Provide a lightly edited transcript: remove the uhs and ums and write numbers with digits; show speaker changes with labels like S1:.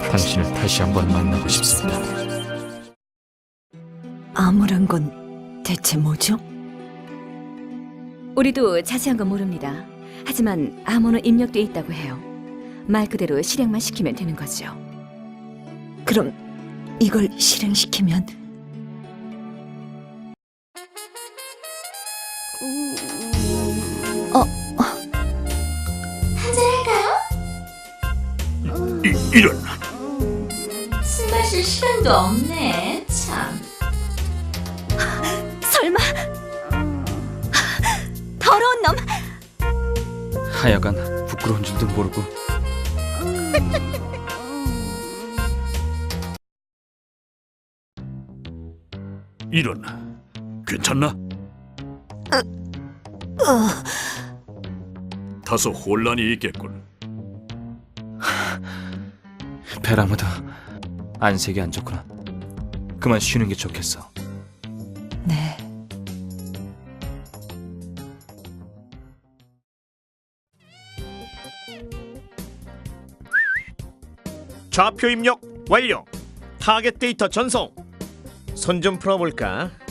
S1: 당신을 다시 한번 만나고 싶습니다.
S2: 암호란 건 대체 뭐죠?
S3: 우리도 자세한 건 모릅니다. 하지만 암호는 입력돼 있다고 해요. 말 그대로 실행만 시키면 되는 거죠.
S2: 그럼 이걸 실행시키면
S4: 이런.
S5: 술 마실 시간도 없네. 참.
S3: 설마 더러운 놈!
S1: 하여간 부끄러운 줄도 모르고.
S4: 이런. 괜찮나? 다소 혼란이 있겠군.
S1: 베라모드 안색이 안 좋구나. 그만 쉬는 게 좋겠어.
S2: 네.
S6: 좌표 입력 완료. 타겟 데이터 전송. 손 좀 풀어볼까?